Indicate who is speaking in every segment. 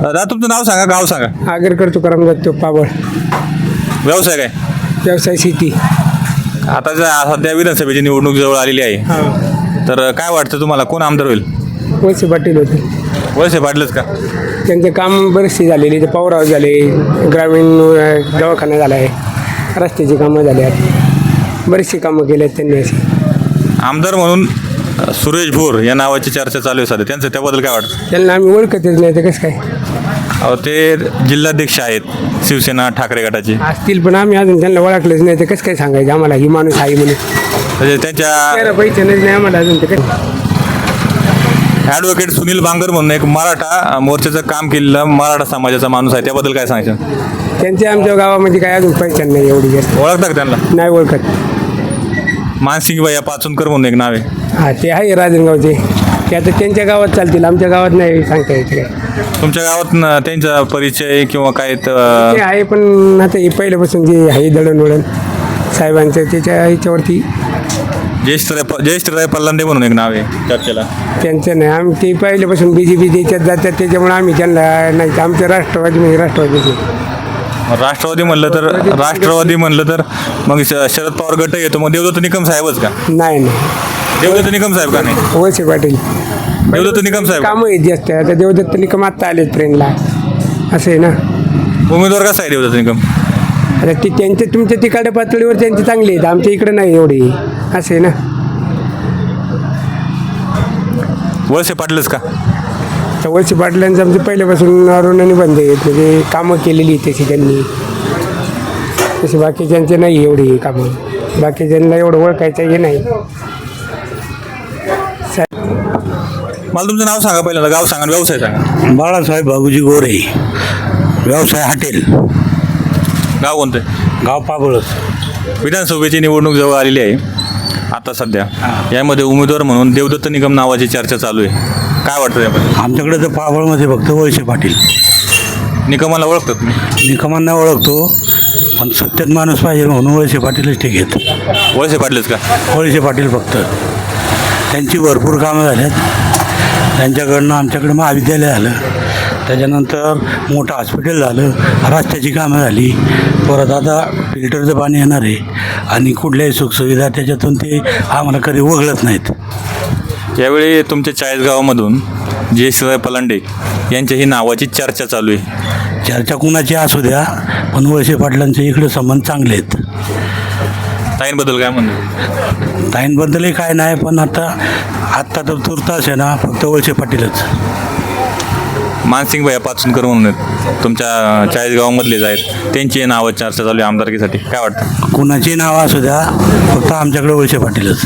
Speaker 1: दादा तुमचं नाव सांगा, गाव सांगा.
Speaker 2: आगरकर तुकाराम दत्तो पाबळ.
Speaker 1: व्यवसाय काय?
Speaker 2: व्यवसाय शेती.
Speaker 1: आता सध्या विधानसभेची निवडणूक जवळ आलेली आहे, तर काय वाटतं तुम्हाला कोण आमदार होईल?
Speaker 2: वळसे पाटील होते.
Speaker 1: वळसे पाटलंच का?
Speaker 2: त्यांचे काम बरेचसे झालेले, ते पॉवर झाले, ग्रामीण दवाखाना झाला आहे, रस्त्याची कामं झाली आहेत, बरीचशी कामं केली आहेत त्यांनी अशी.
Speaker 1: आमदार म्हणून सुरेश भोर या नावाची चर्चा चालू आहे सध्या, त्यांचं त्याबद्दल काय वाटतं?
Speaker 2: त्यांना आम्ही ओळखतच नाही, तर कसं काय
Speaker 1: अहो ते जिल्हाध्यक्ष आहेत शिवसेना ठाकरे गटाचे,
Speaker 2: असतील, पण आम्ही अजून त्यांना ओळखलंच नाही, तर कसं काय सांगायचं आम्हाला ही माणूस आहे म्हणून.
Speaker 1: म्हणजे त्यांच्या
Speaker 2: पैसे नाही आम्हाला अजून, तर काय.
Speaker 1: ॲडव्होकेट सुनील बांगर म्हणून एक मराठा मोर्चाचं काम केलेलं मराठा समाजाचा माणूस आहे, त्याबद्दल काय सांगायचं?
Speaker 2: त्यांचे आमच्या गावामध्ये काय अजून पैशान नाही एवढी जास्त.
Speaker 1: ओळखता का त्यांना?
Speaker 2: नाही ओळखत.
Speaker 1: मानसिंग भैया पाचुनकर म्हणून एक नाव आहे.
Speaker 2: हां, ते आहे राजनगावचे, ते आता त्यांच्या गावात चालतील, आमच्या गावात नाही सांगता येत काय.
Speaker 1: तुमच्या गावात त्यांचा परिचय किंवा काय
Speaker 2: ते आहे, पण आता हे पहिल्यापासून जे आहे दळणवळण साहेबांचं त्याच्या ह्याच्यावरती
Speaker 1: जयेशराय पल्लांडे म्हणून एक नाव आहे चर्चेला.
Speaker 2: त्यांचं नाही, आम्ही ते पहिल्यापासून BJP त्याच्यात जातात, त्याच्यामुळे आम्ही त्यांना नाही, आमचं राष्ट्रवादी म्हणजे राष्ट्रवादीचे.
Speaker 1: राष्ट्रवादी म्हणलं तर मग शरद पवार गट येतो, मग देवदत्त निकम साहेबच का?
Speaker 2: नाही
Speaker 1: देवदत्त निकम साहेब का नाही?
Speaker 2: वळसे पाटील.
Speaker 1: देवदत्त निकम साहेब
Speaker 2: कामं आहेत जास्त, आता देवदत्त निकम आत्ता आलेत ट्रेनला, असं आहे ना.
Speaker 1: उमेदवार कसा आहे देवदत्त निकम?
Speaker 2: आता ते त्यांच्या तुमच्या तिकडच्या पातळीवर त्यांचे चांगले आहेत, आमच्या इकडे नाही एवढे, असं आहे ना.
Speaker 1: वळसे पाटलच का?
Speaker 2: तर वळसे पाटलांचं आमचं पहिल्यापासून अरुणाने बंद आहेत, म्हणजे कामं केलेली तशी त्यांनी, तशी बाकीच्यांचे नाही एवढी कामं, बाकीच्यांना एवढं ओळखायचं हे नाही.
Speaker 1: मला तुमचं नाव सांगा, पहिल्यांदा गाव सांगा, व्यवसाय सांगा.
Speaker 3: बाळासाहेब बाबूजी गोरे, व्यवसाय हॉटेल.
Speaker 1: गाव कोणतं आहे?
Speaker 3: गाव पाबळच.
Speaker 1: विधानसभेची निवडणूक जवळ आलेली आहे आता सध्या, यामध्ये उमेदवार म्हणून देवदत्त निकम नावाची चर्चा चालू आहे, काय वाटतं यामध्ये?
Speaker 3: आमच्याकडे तर पाबळमध्ये फक्त वळसे पाटील.
Speaker 1: निकमाला ओळखतात तुम्ही?
Speaker 3: निकमांना ओळखतो, पण सत्यात माणूस पाहिजे म्हणून वळसे पाटीलच ठीक आहेत.
Speaker 1: वळसे पाटलच का?
Speaker 3: वळसे पाटील फक्त. त्यांची भरपूर कामं झाल्यात, त्यांच्याकडनं आमच्याकडे महाविद्यालय झालं, त्याच्यानंतर मोठं हॉस्पिटल झालं, रस्त्याची कामं झाली, परत आता फिल्टरचं पाणी येणार आहे, आणि कुठल्याही सुखसुविधा त्याच्यातून ते आम्हाला कधी वगळत नाहीत.
Speaker 1: यावेळी तुमच्या 40 गावामधून जयेशराय पलांडे यांच्याही नावाची चर्चा चालू आहे.
Speaker 3: चर्चा कुणाची असू द्या, पण वळसे पाटलांचे इकडे संबंध चांगले आहेत.
Speaker 1: ताईंबद्दल काय म्हणतो?
Speaker 3: ताईंबद्दलही काय नाही, पण आत्ता तर तुर्तास आहे ना, फक्त वळसे पाटीलच.
Speaker 1: मानसिंग भैया पाचुनकर म्हणून आहेत, तुमच्या 40 गावामधलेच आहेत, त्यांची नावं चर्चा चालू आहे आमदारकीसाठी, काय वाटतं?
Speaker 3: कुणाची नावं असू द्या, फक्त आमच्याकडे वळसे पाटीलच.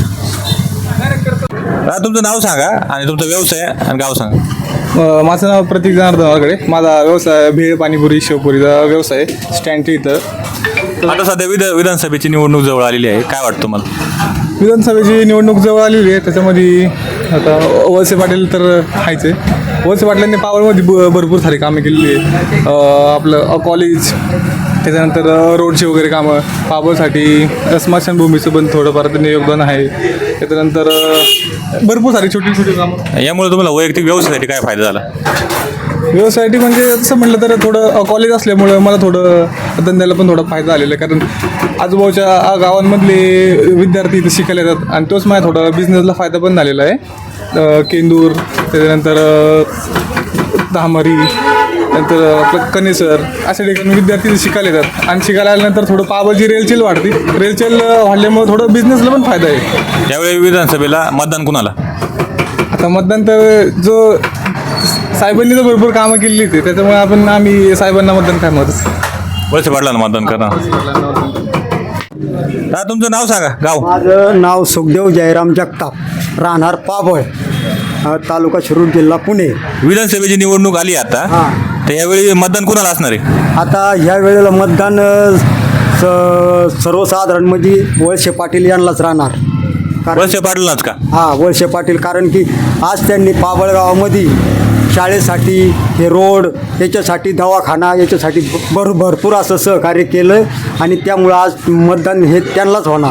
Speaker 1: तुमचं नाव सांगा आणि तुमचा व्यवसाय आणि गाव सांगा.
Speaker 4: माझं नाव प्रतीक जनार्दन वारकडे. माझा व्यवसाय भेळ पाणीपुरी शेवपुरीचा व्यवसाय स्टँडच्या इथं.
Speaker 1: आता सध्या विधानसभेची निवडणूक जवळ आलेली आहे, काय वाटतं तुम्हाला?
Speaker 4: विधानसभेची निवडणूक जवळ आलेली आहे, त्याच्यामध्ये आता वळसे पाटील तर आहेच आहे. वळसे पाटलांनी पावळमध्ये भरपूर सारी कामं केलेली आहेत. आपलं कॉलेज, त्याच्यानंतर रोडची वगैरे कामं, पाबळसाठी स्मशानभूमीचं पण थोडंफार त्यांनी योगदान आहे. त्याच्यानंतर भरपूर सारी छोटी छोटी कामं.
Speaker 1: यामुळे तुम्हाला वैयक्तिक व्यवसायासाठी काय फायदा झाला?
Speaker 4: व्यवसायासाठी म्हणजे तसं म्हटलं तर थोडं कॉलेज असल्यामुळं मला थोडं धंद्याला पण थोडा फायदा आलेला आहे, कारण आजूबाजूच्या गावांमधले विद्यार्थी इथं शिकायला येतात, आणि तोच माझ्या थोडा बिझनेसला फायदा पण झालेला आहे. केंदूर, त्याच्यानंतर धामरी, नंतर आपलं कनेसर, अशा ठिकाणी विद्यार्थी शिकायला येतात, आणि शिकायला आल्यानंतर थोडं पाबळची रेलचेल वाढते. रेलचेल वाढल्यामुळे थोडं बिझनेसला पण फायदा आहे.
Speaker 1: यावेळी विधानसभेला मतदान कुणाला?
Speaker 4: आता मतदान तर जो साहेबांनी तर भरपूर कामं केलेली होती, त्याच्यामुळे आम्ही साहेबांना मतदान करणारच.
Speaker 1: वळसे पाटलांना मतदान करणार. तुमचं नाव सांगा, गाव.
Speaker 5: माझं नाव सुखदेव जयराम जगताप, राहणार पाबळ, तालुका शिरूर, जिल्हा पुणे.
Speaker 1: विधानसभेची निवडणूक आली आता, तर यावेळी मतदान कुणाला असणार आहे?
Speaker 5: आता ह्या वेळेला मतदान सर्वसाधारण म्हणजे वळसे पाटील यांनाच राहणार.
Speaker 1: वळसे पाटलांनाच का?
Speaker 5: हां, वळसे पाटील, कारण की आज त्यांनी पाबळ गावामध्ये शाळेसाठी, हे रोड, याच्यासाठी दवाखाना, याच्यासाठी भरपूर असं सहकार्य केलं, आणि त्यामुळं आज मतदान हे त्यांनाच होणार.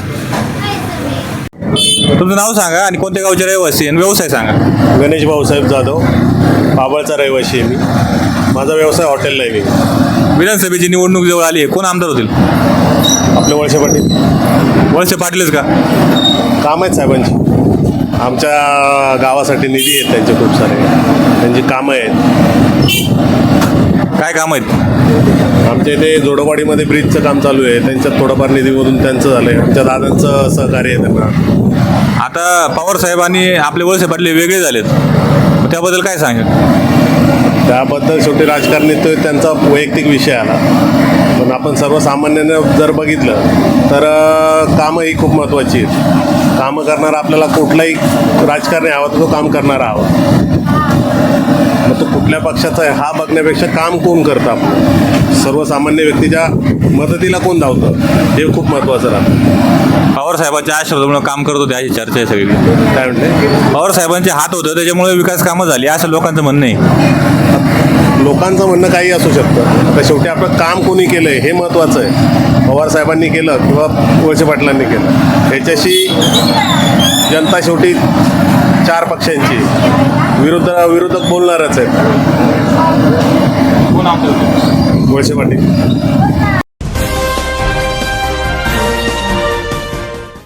Speaker 1: तुमचं नाव सांगा आणि कोणत्या गावचे रहिवासी आणि व्यवसाय सांगा.
Speaker 6: गणेश भाऊसाहेब जाधव, पाबळचा रहिवासी आहे मी. माझा व्यवसाय हॉटेलला आहे मी.
Speaker 1: विधानसभेची निवडणूक जवळ आली आहे, कोण आमदार होतील?
Speaker 6: आपले वळसे पाटील.
Speaker 1: वळसे पाटीलच का?
Speaker 6: काम आहेत साहेबांची. आमच्या गावासाठी निधी आहेत त्यांचे खूप सारे. त्यांची कामं आहेत.
Speaker 1: काय काम आहेत?
Speaker 6: आमच्या इथे जोडोवाडीमध्ये ब्रिजचं काम चालू आहे. त्यांच्यात थोडंफार निधीमधून त्यांचं झालं आहे. आमच्या दादांचं सहकार्य आहे त्यांना.
Speaker 1: आता पवार साहेब आणि आपले वळसे पाटील वेगळे झालेत, मग त्याबद्दल काय सांगेल?
Speaker 6: त्याबद्दल शेवटी राजकारणी तो त्यांचा वैयक्तिक विषय आला. पण आपण सर्वसामान्यानं जर बघितलं तर कामं ही खूप महत्त्वाची आहेत. कामं करणारा आपल्याला कुठलाही राजकारणी हवा तर तो काम करणारा हवा. मग तो कुठल्या पक्षाचा आहे हा बघण्यापेक्षा काम कोण करतं आपलं, सर्वसामान्य व्यक्तीच्या मदतीला कोण धावतं हे खूप महत्त्वाचं राहतं.
Speaker 1: पवार साहेबांच्या आशीर्वादामुळे काम करत होते अशी चर्चा आहे सगळी.
Speaker 6: काय म्हणते?
Speaker 1: पवार साहेबांचे हात होतं त्याच्यामुळे विकास कामं झाली असं लोकांचं म्हणणं आहे.
Speaker 6: लोकांचं म्हणणं काही असू शकतं. आता शेवटी आपलं काम कोणी केलं आहे हे महत्त्वाचं आहे. पवार साहेबांनी केलं किंवा वळसे पाटलांनी केलं ह्याच्याशी जनता शेवटी 4 पक्षांची विरोधक बोलणारच आहेत.
Speaker 1: कोण आमदार होतील?
Speaker 6: वळसे पाटील.